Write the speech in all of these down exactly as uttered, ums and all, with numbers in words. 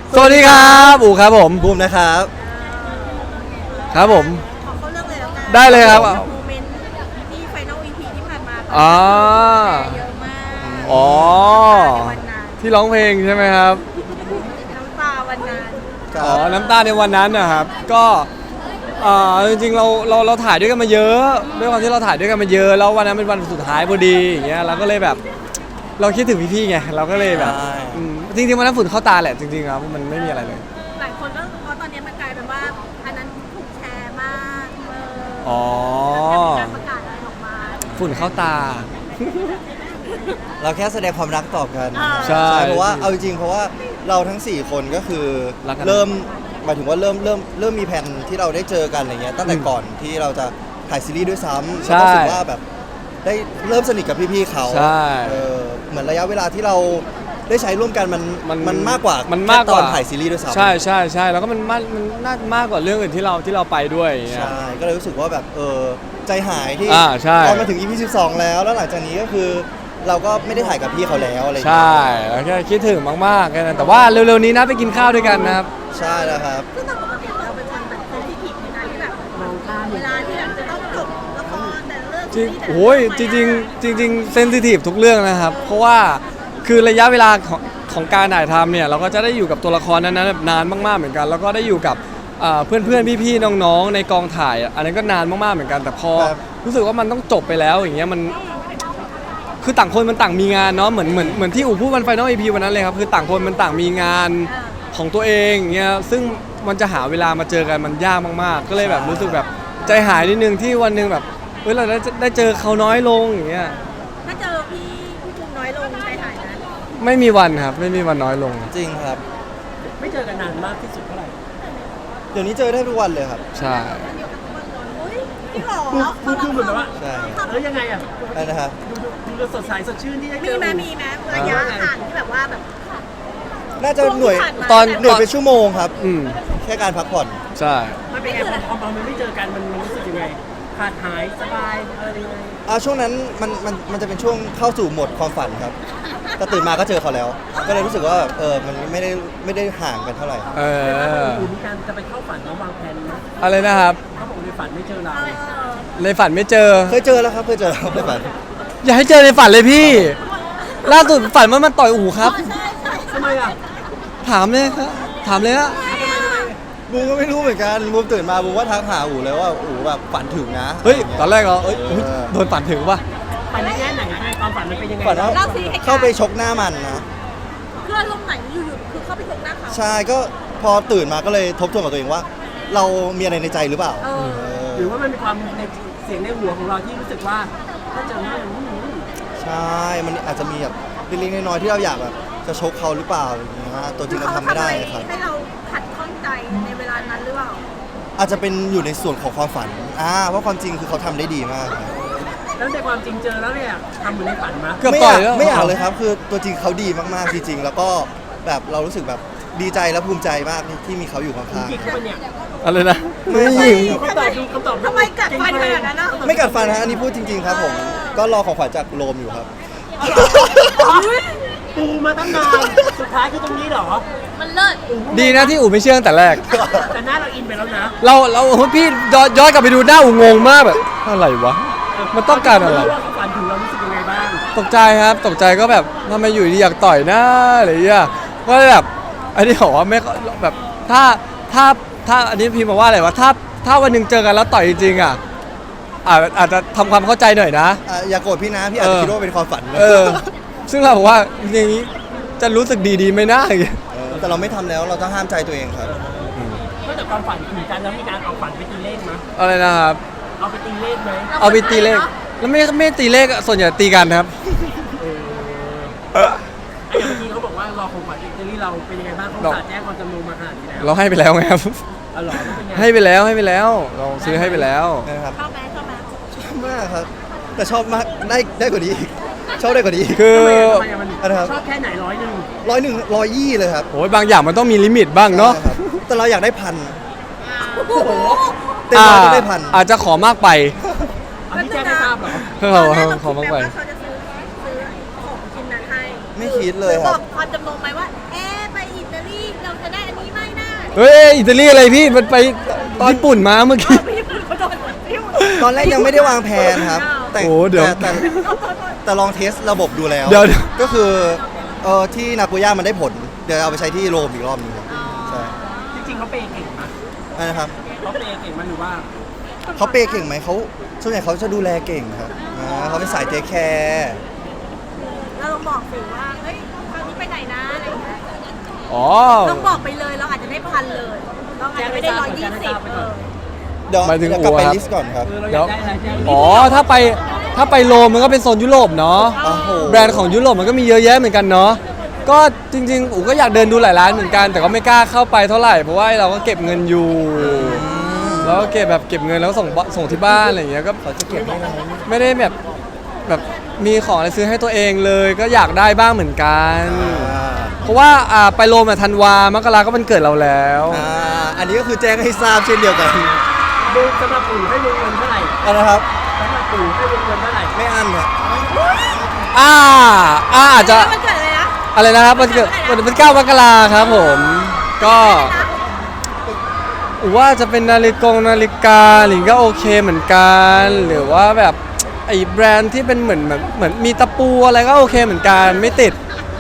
สวัสดีครับอู๋ครับผมบูมนะครับครับผมขอเข้าเรื่องเลยแล้วกันได้เลยครับโมเมนต์ที่ไฟนอล อี พี ที่ผ่านมาอ๋อเยอะมากอ๋อในวันนั้นที่ร้องเพลงใช่ไหมครับน้ำตาวันนั้นอ๋อ น้ำตาในวันนั้นนะครับ ก็เอ่อจริงๆเราเราเราถ่ายด้วยกันมาเยอะด้วยความที่เราถ่ายด้วยกันมาเยอะแล้ววันนั้นเป็นวันสุดท้ายพอดีอย่างเงี้ยเราก็เลยแบบ เราคิดถึงพี่ๆไงเราก็เลยแบบใช่อืมจริงๆวันนั้นฝุ่นเข้าตาแหละจริงๆครับมันไม่มีอะไรเลยหลายคนก็เพราะตอนนี้มันกลายเป็นว่าอันนั้นถูกแชร์มากเลยอ๋อแล้วมีการประกาศอะไรออกมาฝุ่นเข้าตาเราแค่แสดงความรักต่อกันใช่เพราะว่าเอาจริงๆเพราะว่าเราทั้งสี่คนก็คือรักกันเริ่มหมายถึงว่าเริ่มเริ่มเริ่มมีแผนที่เราได้เจอกันอะไรเงี้ยตั้งแต่อืมก่อนที่เราจะถ่ายซีรีส์ด้วยซ้ำใช่แล้วก็รู้สึกว่าแบบได้เริ่มสนิทกับพี่ๆเขาใช่เออเหมือนระยะเวลาที่เราได้ใช้ร่วมกันมันมันมันมากกว่ามันมากกว่าแค่ตอนถ่ายซีรีส์ด้วยซ้ำใช่ใช่ใช่แล้วก็มันมากมันน่ามากกว่าเรื่องอื่นที่เราที่เราไปด้วยอย่างเงี้ยใช่ก็เลยรู้สึกว่าแบบเออใจหายที่อ่าใช่ตอนมาถึง อี พี สิบสองแล้วแล้วหลังจากนี้ก็คือเราก็ไม่ได้ถ่ายกับพี่เขาแล้วอะไรอย่างใชเงี้ย่แล้วแค่คิดถึงมากๆแค่นั้นแต่ว่าเร็วๆนี้นะไปกินข้าวด้วยกันนะครับใช่แล้วครับซึ่งตามปกติเราเป็นคนแบบเซนซิทีฟในการที่แบบมองข้ามเวลาที่แบบจะต้องจบละครแต่ละเรื่องจริงซีรีส์แต่ละโอ้ยจเอริงๆจริงๆเซนซิทีฟทุกเรื่องนะครับ เพราะว่าคือระยะเวลาของของการถ่ายทำเนี่ยเราก็จะได้อยู่กับตัวละครนั้นๆแบบนานมากๆเหมือนกัน แล้วก็ได้อยู่กับเพื่อนเพื่อนๆพี่ๆน้องๆในกองถ่ายอ่ะอันนั้นก็นานมากๆเหมือนกันแต่พอครับรู้สึกว่ามันต้องจบไปแล้วอย่างเงี้ยมันคือต่างคนมันต่างมีงานเนาะเหมือนเหมือนเหมือนที่อู๋พูดวันไฟนอลอีพีวันนั้นเลยครับคือต่างคนมันต่างมีงานของตัวเองอย่างเงี้ยซึ่งมันจะหาเวลามาเจอกันมันยากมากๆ ก็เลยแบบรู้สึกแบบใจหายนิดนึงที่วันหนึงแบบเฮ้ยเราได้ได้เจอเขาน้อยลงอย่างเงี้ยถ้าเจอพี่พี่ภูมิน้อยลงใจหายนะไม่มีวันครับไม่มีวันน้อยลงจริงครับไม่เจอกันนานมากที่สุดเท่าไหร่เดี๋ยวนี้เจอได้ทุกวันเลยครับใช่อุ้ยพี่หรอพูดพูดเหมือนแบบว่าใช่แล้วยังไงอ่ะอะไรนะครับดูดูดูสดใสสดชื่นที่ได้เจมีอไหมมีไหมระยะห่างที่แบบว่าแบบน่าจะหน่วยช่วงที่ผ่านมาตอนหน่วยเป็นชั่วโมงครับอืมแค่การพักผ่อนใช่มันเป็นไงพอพอมันไม่เจอกันมันมันรู้สึกยังไงขาดหายสบายอะไรยังไงอ่าช่วงนั้นมันมันมันจะเป็นช่วงเข้าสู่โหมดความฝันครับแต่ตื่นมาก็เจอเขาแล้ว ก็เลยรู้สึกว่าเออมันไม่ได้ไม่ได้ห่างกันเท่าไหร่เอออูมีการจะไปเข้าฝันแล้ววางแผนนะอะไรนะครับเขาบอกในฝันไม่เจอเราเออในฝันไม่เจอเคยเจอแล้วครับเคยเจอแล้วในฝันอย่าให้เจอในฝันเลยพี่ ล่าสุดฝันว่ามันต่อยอู๋ครับใช่ใช่ทำไมอ่ะถามเลยครับถามเลยฮะบูมก็ไม่รู้เหมือนกันบูมตื่นมาบูมว่าทักหาอู๋เลยว่าอู๋แบบฝันถึงนะเฮ้ยะตอนแรกเหรอเอ้ยเออุ๊ยอโดนฝันถึงป่ะฝันในแง่ไหนอะความฝันมันเป็นยังไงฝันว่าเล่าสิให้เข้าไปชกหน้ามันนะเพื่อนลมไหนอยู่ๆคือเข้าไปชกหน้าเขาใช่ก็พอตื่นมาก็เลยทบทวนกับตัวเองว่า เรามีอะไรในใจหรือเปล่าเออเออหรือว่ามันมีความในเสียงในหัวของเราที่รู้สึกว่าถ้าเจอหน้าอย่างนี้ใช่ มันอาจจะมีแบบเล็กๆน้อยๆที่เราอยากแบบจะชกเขาหรือเปล่าอะไรอย่างเงี้ยตัวจริงเราทำไม่ได้ครับให้เราขัดข้องใจในเวลานั้นหรือเปล่าอาจจะเป็นอยู่ในส่วนของความฝันอ่าเพราะความจริงคือเขาทำได้ดีมากครับแล้วในความจริงเจอแล้วเนี่ยทำเหมือนในฝันมาเกือบไม่ต่ออยยากแล้วไม่อยากเลยครับ คือตัวจริงเขาดีมากๆจริงๆ แล้วก็แบบเรารู้สึกแบบดีใจและภูมิใจมากที่มีเขาอยู่ข้างจิกเข้าไปเนี่ยอะไรนะๆไม่คำตอบดูคำตอบดูทำไมกัดฟันขนาดนั้นนะไม่กัดฟันฮะอันนี้พูดจริง ๆ ครับผม ก็รอของขวัญจากโรมอยู่ครับปูมาตั้งนานสุดท้ายคือตรงนี้เหรอมันเลิศดีนะที่อู๋ไม่เชื่อตั้งแต่แรกแต่หน้าเราอินไปแล้วนะเราเราพี่ย้อนย้อนกลับไปดูหน้าอู๋งงมากแบบอะไรวะ มันต้องการอะไรว่าเขาฝันถึงเรารู้สึกยังไงบ้างตกใจครับตกใจก็แบบทำไมอยู่ดีอยากต่อยหน้าอะไรอย่างเงี้ยก็เลยแบบอันนี้บอกว่าไม่แบบถ้าถ้าถ้าอันนี้พิมพ์มาว่าอะไรวะถ้าถ้าวันหนึ่งเจอกันแล้วต่อยจริงๆอ่ะอาจอาจจะทำความเข้าใจหน่อยนะอ่ะอย่าโกรธพี่นะ พี่อาจจะเออคิดว่าเป็นความฝันนะเออ ซึ่งเราบอกว่าอย่างนี้จะรู้สึกดีดีไหมนะอย่างเงี้ยเออแต่เราไม่ทำแล้วเราต้องห้ามใจตัวเองครับนอกจากความฝันถึงกันแล้วมีการเอาฝันไปตีเลขไหมอะไรนะครับเอาไปตีเลขไหมเอาไปตีเลขแล้วไม่ไม่ตีเลขอะส่วนใหญ่ตีกันครับไอ้อย่างเมื่อกี้เขาบอกว่ารอของขวัญอิตาลีเราเป็นยังไงบ้างเขาสาแจ้งความจำนงมาขนาดนี้แล้วเราให้ไปแล้วไงครับอ๋อเหรอแล้วเป็นไงให้ไปแล้วให้ไปแล้ว เราซื้อให้ไปแล้วนะครับชอบไหมชอบไหมชอบมากครับ แต่ชอบมากได้ได้กว่านี้อีกชอบได้กว่านี้อีกคือทำไมอะมันอะไรครับชอบแค่ไหนร้อยหนึ่งร้อยหนึ่งร้อยยี่เลยครับโอ้ยบางอย่างมันต้องมีลิมิตบ้างเนาะใช่ครับแต่เราอยากได้พันโอ้โหเต็มร้อยต้องได้พันอาจจะขอมากไปอันนี้แจ้งให้ทราบเหรอเอตออนแรกเราขอคิดมากแบบไปว่าเขาจะซื้อซื้อของชิ้นนั้นให้ไม่คิดเลยหอครับบอกความจำนงไหมว่า เอ๊ะไปอิตาลีเราจะได้อันนี้ไหมนะเฮ้ยอิตาลีอะไรพี่มันไปญี่ปุ่นมาเมื่อกี้พี่พูดเขาโดนพี่พูดตอนแรกยังไม่ได้วางแผนครับ แต่โอ้เดี๋ยวแต่แต่แต่ลองเทสระบบดูแล้วเดี๋ยวก็คือเออที่นาโกย่ามันได้ผล เดี๋ยวเอาไปใช้ที่โรมอีกรอบหนึงครับใช่จริงๆเขาเปย์เก่งไหมอันนะครับเขาเปย์เก่งไหมหรือว่าเขาเปย์เก่งไหมเขาส่วนใหญ่เขาจะดูแลเก่งครับอ่าเขาเป็นสายเทคแคร์เราลองบอกสิว่าเฮ้ยครั้งนี้ไปไหนนะอะไรอย่างเงี้ยอ๋อลองบอกไปเลยเราอาจจะได้พันเลยเราอาจจะไม่ได้ร้อยยี่สิบเออเดี๋ยวหมายถึงเดี๋ยวกลับไปอู๋ครับลิสต์ก่อนครับเออเราอเดี๋ยยาว กได้อะไรแจ้งอ๋อถ้าไปถ้าไปโรมมันก็เป็นโซนยุโรปเนาะโอ้โหแบรนด์ของยุโรปมันก็มีเยอะแยะเหมือนกันเนาะก็จริงๆอูก็อยากเดินดูหลายร้านเหมือนกัน แต่ก็ไม่กล้าเข้าไปเท่าไหร่เพราะว่าเราก็เก็บเงินอยู่แล้วก็เก็บแบบเก็บเงินแล้วส่งบส่งที่บ้านอะไรอย่างเงี้ยก็เขาจะเก็บให้เราไม่ได้แบบแบบมีของอะไรซื้อให้ตัวเองเลย ก็อยากได้บ้างเหมือนกันอ่าเพราะว่าอ่าไปโรมอะธันวามกราก็เป็นเกิดเราแล้วอ่าอันนี้ก็คือแจ้งให้ทราบเช่นเดียวกันดูสำหรับปู่ให้วงเงินเท่าไหร่เอานะครับสำหรับปู่ให้วงเงินเท่าไหร่ไม่อั้นครับอ่าอ่าอาจจะมันเกิดอะไรนะอะไรนะครับมันเกิดมันเป็นเก้ามกราครับผม ก็ว่าจะเป็นนาฬิกงนาฬิกาหรือก็โอเคเหมือนกัน หรือว่าแบบไอ้แบรนด์ที่เป็นเหมือนเหมือนเหมือนมีตะปูอะไรก็โอเคเหมือนกันไม่ติด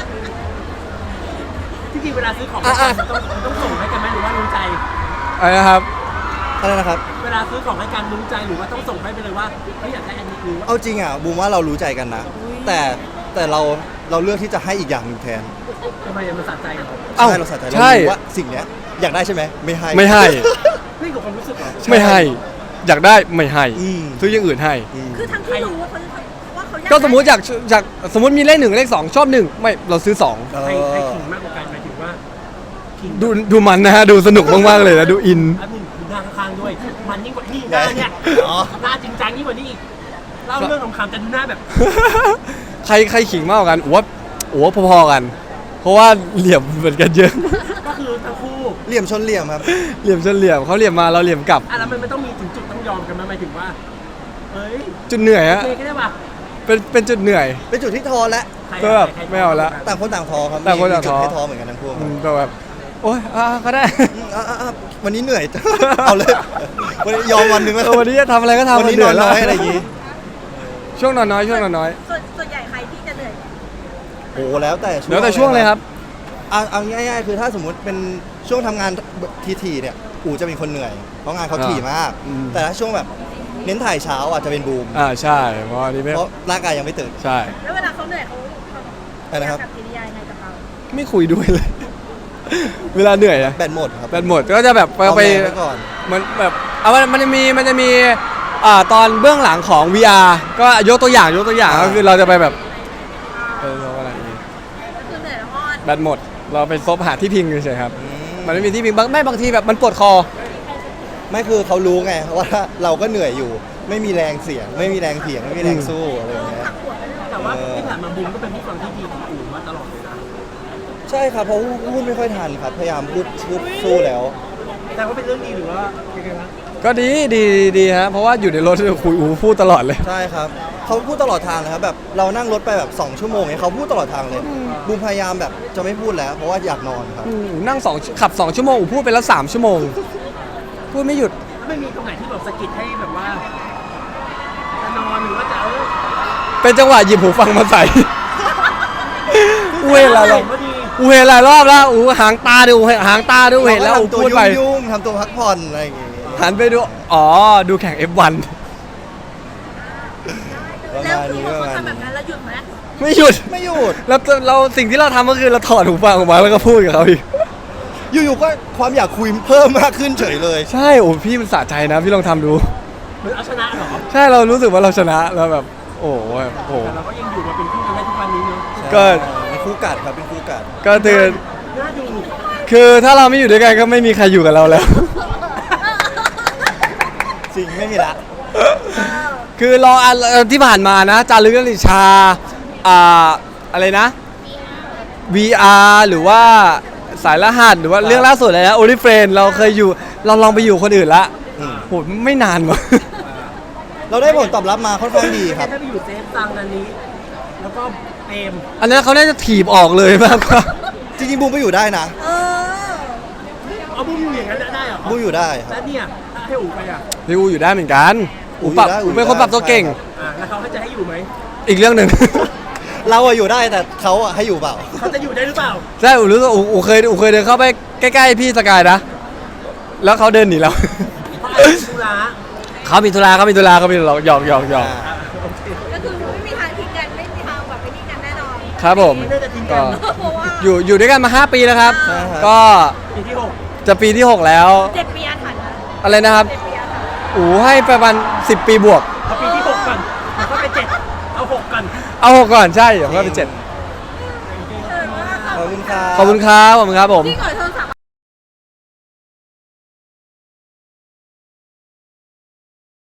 ที่จริงเวลาซื้อของให้กันต้องต้องส่งให้กันไหมหรือว่ารู้ใจอะไรนะครับอะไรนะครับเวลาซื้อของให้กันรู้ใจหรือว่าต้องส่งให้ไปเลยว่าเฮ้ยอยากได้อันนี้หรือว่าเอาจริงอ่ะบูมว่าเรารู้ใจกันนะ แต่แต่เราเราเลือกที่จะให้อีกอย่างหนึ่งแทนทำไมมันสะใจเหรอเอ้าใช่เราสะใจเราใช่รู้ว่าสิ่งเนี้ยอยากได้ใช่ไหมไม่ให้ไม่ให้นี่กับความรู้สึกเหรอไม่ให้ อยากได้ไม่ให้อืมซื้ออย่างอื่นให้อืมคือทั้งที่รู้ว่าเขาว่าเขาอยากก็สมมติอยากอยากสมมติมีเลขหนึ่งเลขสองชอบหนึ่งไม่เราซื้อสองเอใครใครอขิงมากกว่ากันหมายถึงว่าขิงดูดูมันนะฮะดูสนุกมากๆเลยนะดูอินอันหนึ่งดูหน้าข้างๆด้วย มันยิ่งกว่านี่หน้าเนี่ยอ๋อหน้าจริงจังยิ่งกว่านี่อีกเล่าเรื่องของคำแต่ดูหน้าแบบใครใครขิงมากกว่ากันโอ้ว่าโอ้ว่าพอๆกัน เพราะว่าเหลี่ยมเหมือนกันเยอะก็คือทั้งคู่เหลี่ยมชนเหลี่ยมครับเหลี่ยมชนเหลี่ยมเขาเหลี่ยมมาเราเหลี่ยมกลับอ่ะแล้วมันไม่ต้องมีถึงจุดต้องยอมกันไหมหมายถึงว่าเฮ้ยจุดเหนื่อยโอฮะเคก็ได้ป่ะเป็นเป็นจุดเหนื่อยเป็นจุดที่ทอแล้วใครก็อะแบบใครไม่เอาละต่างคนต่างทอครับต่างคนต่างมีจุดท้อให้ทอเหมือนกันทั้งคู่อืมก็แบบโอ๊ยอ่ะก็ได้อืมอ่ะอ่ะอ่ะวันนี้เหนื่อย เอาเลยวันนี้ยอมวันหนึ่งแล้วเออวันนี้จะทำอะไรก็ทำวันนี้เหนอนแล้วน้อยอะไรอย่างงี้ช่วงนอนน้อยช่วงนอนน้อยส่วนส่วนใหญ่ใครที่จะเหนื่อยโอ้แล้วแต่ช่วงแล้วแต่ช่วงเลยครับเอาเอาง่ายๆคือถ้าสมมุติเป็นช่วงทำงานทีๆเนี่ยอู๋จะเป็นคนเหนื่อย เพราะงานเขาถี่มากอืมแต่ถ้าช่วงแบบเน้นถ่ายเช้าอ่ะจะเป็นบูมอ่าใช่เพราะอันนี้ไม่เพราะร่างกายยังไม่ตื่นใช่แล้วเวลาเขาเหนื่อยเขาเขาอะไรนะครับกับกิริยายังไงกับเราไม่คุยด้วยเลย เวลาเหนื่อยอะแบตหมดครับแบตหมดก็จะแบบไปเอาไปแรงไว้ก่อนมันแบบเอามันมันจะมีมันจะมีอ่าตอนเบื้องหลังของ วี อาร์ ก็ยกตัวอย่างยกตัวอย่างก็คือเราจะไปแบบเออเราอะไรอย่างงี้ก็คือเหนื่อยแล้วก็แบตหมด เราไปซบหาที่พิงเฉยๆครับอืมันไม่มีที่พิงบางไม่บางทีแบบมันปวดคอไม่คือเขารู้ไงว่าเราก็เหนื่อยอยู่ ไม่มีแรงเสียง ไม่มีแรงเถียงไม่มีแรงสู้อะไรอย่างเงี้ยหักหัวไปเลยแต่ว่าที่ผ่านมาบูมก็เป็นผู้ฟังที่ดีของอู๋มาตลอดเลยนะใช่ครับเพราะพูดไม่ค่อยทันครับ พยายามพูดพูดสู้แล้วแต่ว่าเป็นเรื่องดีหรือว่ายังไงวะก็ดีดีดีฮะเพราะว่าอยู่ในรถคุยอูพูดตลอดเลยใช่ครับเขาพูดตลอดทางเลยครับแบบเรานั่งรถไปแบบสองชั่วโมงเนี่ยเขาพูดตลอดทางเลยบูมพยายามแบบจะไม่พูดแล้ว เพราะว่าอยากนอนครับอืมอูนั่งสองขับสองชั่วโมงอูพูดไปแล้วสามชั่วโมง พูดไม่หยุดแล้วไม่มีตรงไหนที่แบบสะกิดให้แบบว่าจะนอนหรือว่าจะเออเป็นจังหวะหยิบหูฟังมาใส่ อูเห็นหลายรอบพอดีอูเห็นหลายรอบแล้วอูหางตาดูหางตาดูเห็นแล้วอูเราก็ทำตัวพูดไปยุ่งๆทำตัวพักผ่อนอะไรอย่างเงี้ยหันไปดู อ๋อ ดูแข่ง เอฟ วันประแล้วมาณคือนี้พอประเขามาณทำแบบนี้นั้นแล้วหยุดไหมไม่หยุดไม่หยุดแล้วเราสิ่งที่เราทำก็คือเราถอดหูฟังออกมาแล้วก็พูดกับเขาอีกอยู่ๆก็ความอยากคุยเพิ่มมากขึ้นเฉยเลยใช่ โอ้พี่มันสะใจนะ พี่ลองทำดูเหมือนเอาชนะเหรอใช่ เรารู้สึกว่าเราชนะ แล้วแบบ โอ้โหแบบโอ้โหแต่เราก็ยังอยู่มาเป็นคู่กันได้ทุกวันนี้เนาะก็เป็นคู่กัดครับเป็นคู่กัดก็คือน่าดูคือถ้าเราไม่อยู่ด้วยกันก็ไม่มีใครอยู่กับเราแล้วจริงไม่มีละคือรออันเอ่อที่ผ่านมานะจารึกลิชาอ่าอะไรนะ วี อาร์ หรือว่าสายรหัสหรือว่าครับเรื่องล่าสุดเลยนะโอลิเฟรนเราเคยอยู่เราลองไปอยู่คนอื่นละอืมโหไม่นานวะเราได้ผลตอบรับมาค่อนข้างดีครับถ้าไปอยู่เซฟซังอันนี้ แล้วก็เปรมอันนั้นเขาน่าจะถีบออกเลยมากกว่าจริงๆบูมไปอยู่ได้นะเออบุ้มอยู่อย่างนั้นได้เหรอบูอยู่ได้คแล้รับวเนี่ยถ้าให้อูไปอ่ะพี่อูอยู่ได้เหมือนกันอูอูอยู่ปรับได้อูอูอยู่เป็นคนได้ปรับตัวเก่งใช่ครับอ่าแล้วเขาให้จะให้อยู่ไหมอีกเรื่องหนึ่งเราอะอยู่ได้แต่เขาอะให้อยู่เปล่าเขาจะอยู่ได้หรือเปล่าใช่อูรู้สึกอูอูเคยอูเคยเดินเข้าไปใกล้ๆพี่สกายนะ แล้วเขาเดินหนีเราเพราะอะไรธุระเขามีธุระเขามีธุระเขามีธุระหยอกหยอกหยอกอ่าโอเคก็คือไม่มีทางทิ้งกันไม่มีทางแบบไปนี่กันแน่นอนครับผมไม่น่าจะทิ้งกัก็นเพราะว่าอยู่อยู่ด้วยกันมาห้าปีแล้วครับใช่ครับก็ปีที่หกจะปีที่หกแล้วเจ็ดปีอาถรรพ์นะอะไรนะครับเจ็ดปีอาถรรพ์อูให้ประมาณสิบปีบวกเอาปีที่หกก่อนแล้วก็ไปเจ็ดเอาหกก่อนเอาหกก่อนใช่เดี๋ยวก็เป็นเจ็ดเออว่าขอบคุณครับขอบคุณครับขอบคุณครับผมจริงเหรอเธอ